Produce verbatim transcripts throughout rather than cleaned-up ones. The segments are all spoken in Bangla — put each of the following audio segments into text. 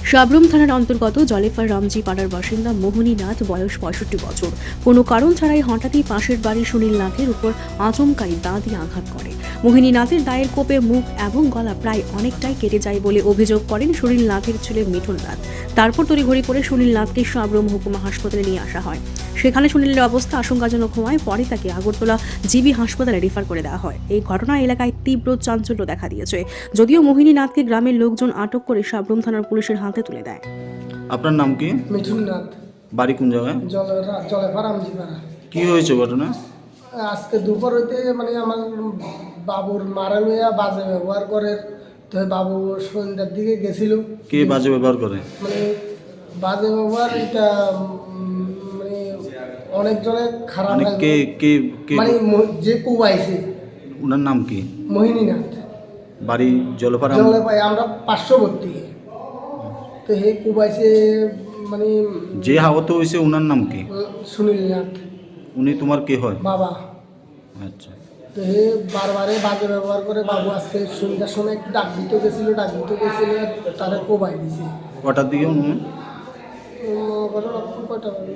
সাবরুম থানার অন্তর্গত জলেফার রামজি পাড়ার বাসিন্দা মোহিনী নাথ, বয়স পঁয়ষট্টি বছর, কোনো কারণ ছাড়াই হঠাৎই পাশের বাড়ির সুনীল নাথের উপর আচমকাই দা দিয়ে আঘাত করে। মোহিনী নাথের দায়ের কোপে মুখ এবং গলা প্রায় অনেকটাই কেটে যায় বলে অভিযোগ করেন সুনীল নাথের ছেলে মিঠুন নাথ। তারপর তড়িঘড়ি করে সুনীল নাথকে সাবরুম হুকুমা হাসপাতালে নিয়ে আসা হয়। সেখানে সুনীলের অবস্থা আশঙ্কাজনক হওয়ায় পরে তাকে আগরতলা জিবি হাসপাতালে রেফার করে দেওয়া হয়। এই ঘটনা এলাকায় তীব্র চাঞ্চল্য দেখা দিয়েছে। যদিও মোহিনী নাথকে গ্রামের লোকজন আটক করে সাবরুম থানার পুলিশের হাতে তুলে দেয়। আপনার নাম কি? মিঠুন নাথ, বাড়ি কোন জায়গায়? জলের জলেফার রামজি পাড়া। কি হয়েছে ঘটনা? আজকে দুপুর হইতে মানে আমার বাবুর মারা মেয়া বাজে ব্যবহার করে, তো বাবু সন্ধ্যার দিকে গেছিল। কে বাজে ব্যবহার করে? মানে বাজে ব্যবহার এটা উম, মানে অনেকজনে খারাপ মানে লাগে। কে কে কে মানে ম- যে কুবাইছে ওনার নাম কি? মোহিনী নাথ, বাড়ি জলপাড়া। জলে পাই আমরা পার্শ্ববর্তী। তো হে কুবাইছে মানে যে আহত হয়েছে ওনার নাম কি? উম, সুনীল নাথ উনি তোমার কে হয়? বাবা। আচ্ছা, তো হে বারবারে বাজে ব্যবহার করে। বাবু আজকে সন্ধ্যার সময় একটু ডাক দিতে গেছিলো, ডাক দিতে গেছিলো তারা কোবাই দিছে। কটার দিকে উনি? উম, ঘটনা খুব কয়টা বাজে?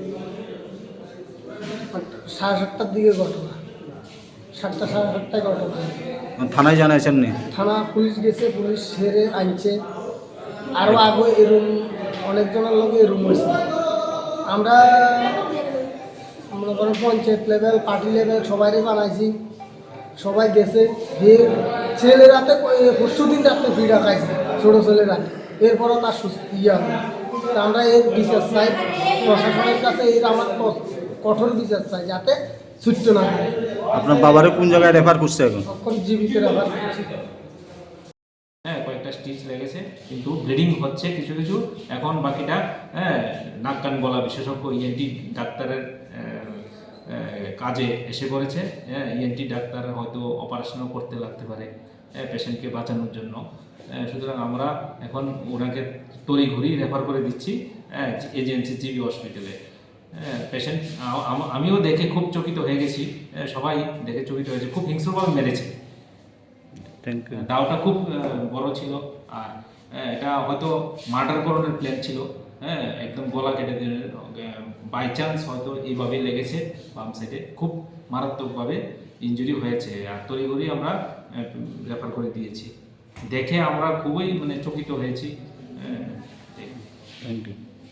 সাড়ে সাতটার দিকে ঘটনা, সাতটা সাড়ে সাতটায় ঘটনা। থানায় জানাইছেন নি? থানা পুলিশ গেছে, পুলিশ সেরে আনছে। আরও আগে এরুম অনেকজনের লোক এরুম হয়েছে। আমরা মনে করেন পঞ্চায়েত লেভেল, পার্টি লেভেল সবাইরে বানাইছি, সবাই গেছে। হে ছেলের রাতে পরশু দিন রাত্রে ভিড়া খাইছে, ছোটো ছেলের রাতে। এরপরও তার সুস্থ ইয়ে হবে। তা আমরা এর বিচার চাই প্রশাসনের কাছে, এর আমার ক- কঠোর বিচার চাই যাতে ছুটতে না হয়। আপনার বাবারে কোন জায়গায় রেফার করছে এখন? তখন জীবিত রাখার করছি। হ্যাঁ, কয়েকটা স্টিচ লেগেছে, কিন্তু ব্লিডিং হচ্ছে কিছু কিছু। এখন বাকিটা হ্যাঁ নাক কান গলা বিশেষজ্ঞ ইএনটি ডাক্তারের আহ, আহ, কাজে এসে পড়েছে। হ্যাঁ, ইএনটি ডাক্তার হয়তো অপারেশনও করতে লাগতে পারে হ্যাঁ পেশেন্টকে বাঁচানোর জন্য। হ্যাঁ, সুতরাং আমরা এখন ওনাকে তড়িঘড়ি রেফার করে দিচ্ছি হ্যাঁ এজেন্সি জিবি হসপিটালে। হ্যাঁ, পেশেন্ট আমিও দেখে খুব চকিত হয়ে গেছি। হ্যাঁ, সবাই দেখে চকিত হয়েছে, খুব হিংস্রভাবে মেরেছে। Thank you. দাওটা খুব আহ, বড় ছিল, আর আহ, এটা হয়তো মার্ডার করানোর প্ল্যান ছিল। হ্যাঁ, একদম গলা কেটে দিয়ে বাই চান্স হয়তো এইভাবে লেগেছে বাম সাইডে, খুব মারাত্মকভাবে ইনজুরি হয়েছে। আর তড়িঘড়ি আমরা রেফার করে দিয়েছি। দেখে আমরা খুবই মানে চকিত হয়েছি। হ্যাঁ, থ্যাংক ইউ।